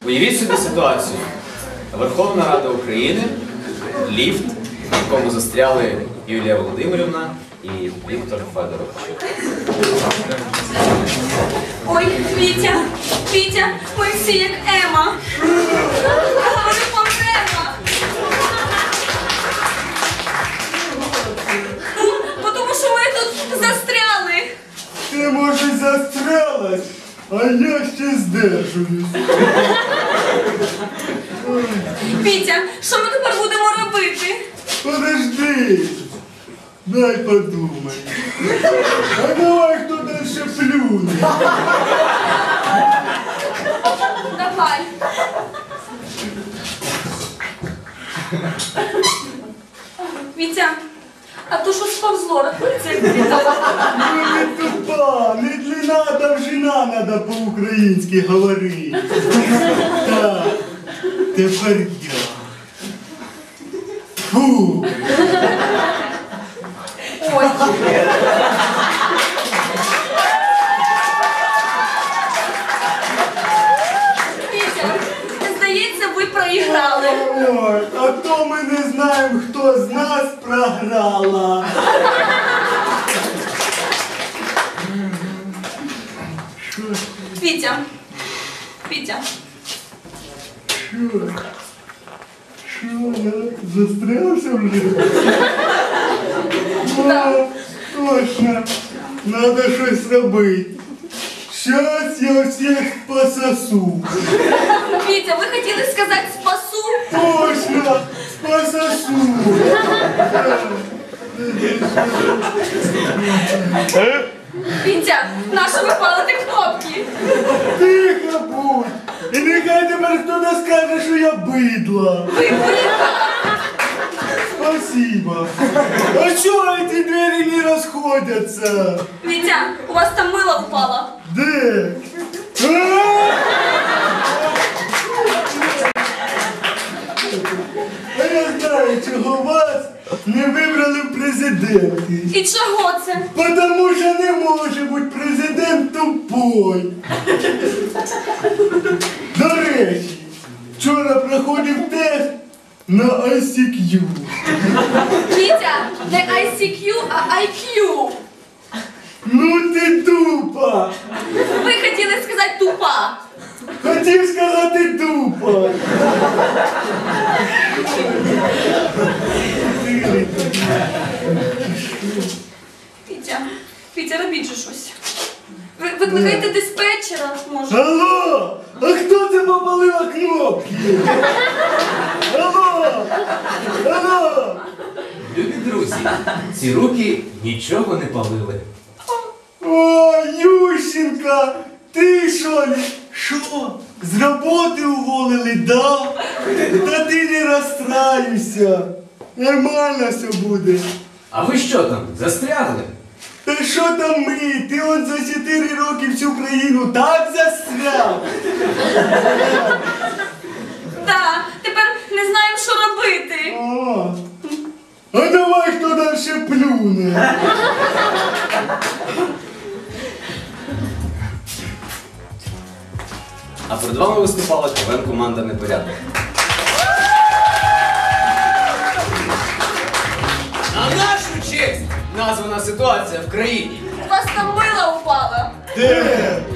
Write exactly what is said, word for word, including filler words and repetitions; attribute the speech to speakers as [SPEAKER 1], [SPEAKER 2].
[SPEAKER 1] Уявіть собі ситуацію. Верховна Рада України, ліфт, в якому застряли Юлія Володимирівна і Віктор Федорович.
[SPEAKER 2] Ой, Вітя, Вітя, ми всі як Ема. Говори помремо. Бо тому що ми тут застряли.
[SPEAKER 3] Ти, може, застрялась, а я ще здержуюсь.
[SPEAKER 2] Вітя, що ми тепер будемо робити?
[SPEAKER 3] Подожди, дай подумай. А давай хто дальше плюне.
[SPEAKER 2] Давай. Вітя, а то що сповзло, рахується як длина?
[SPEAKER 3] Ну не тупа, не длина, а довжина надо по-українськи говорити. Так, тепер я. Фу.
[SPEAKER 2] Ой. Вітя, здається, ви проіграли.
[SPEAKER 3] Ой, а то ми не знаємо, хто з нас програла. Що?
[SPEAKER 2] Вітя, Вітя,
[SPEAKER 3] Що? Що, я застрявся вже? О, точно. Надо щось робити. Щас я всіх пососу.
[SPEAKER 2] Вітя, ви хотіли сказати спасу?
[SPEAKER 3] Точно, пососу.
[SPEAKER 2] Вітя, нащо ви палите кнопки?
[SPEAKER 3] Тихо будь. І нехай тепер хтось скаже, що я бидла.
[SPEAKER 2] Ви буряка.
[SPEAKER 3] Спасибо. А чого ці двері не розходяться?
[SPEAKER 2] Вітя, у вас там мило впало.
[SPEAKER 3] Де? А? А я знаю, чого вас не вибрали в президенти.
[SPEAKER 2] І чого це?
[SPEAKER 3] Потому що не може бути президент тупой. До речі, вчора проходив тест на ай сі к'ю.
[SPEAKER 2] Вітя, не ай сі к'ю, а ай к'ю.
[SPEAKER 3] Ну ти тупа.
[SPEAKER 2] Ви хотіли сказати тупа.
[SPEAKER 3] Хотів сказати тупа.
[SPEAKER 2] Вітя, Вітя, робіть же щось. Ви викликайте диспетчера, може.
[SPEAKER 3] Алло! А хто це попалила кнопки? Алло! Алло!
[SPEAKER 1] Любі друзі, ці руки нічого не палили.
[SPEAKER 3] О, Ющенка! Ти що ли? Що? З роботи уволили, да? Та ти не розстраюйся. Нормально все буде.
[SPEAKER 1] А ви що там, застрягли?
[SPEAKER 3] Та що там ми? Ти от за чотири роки всю країну так застряв.
[SPEAKER 2] Так, тепер не знаємо, що робити.
[SPEAKER 3] О, а давай хто далі плюне.
[SPEAKER 1] А перед вами виступала КВН-команда «Непорядок». На нашу честь названа ситуація в країні.
[SPEAKER 2] У вас там мило упало.
[SPEAKER 3] Де?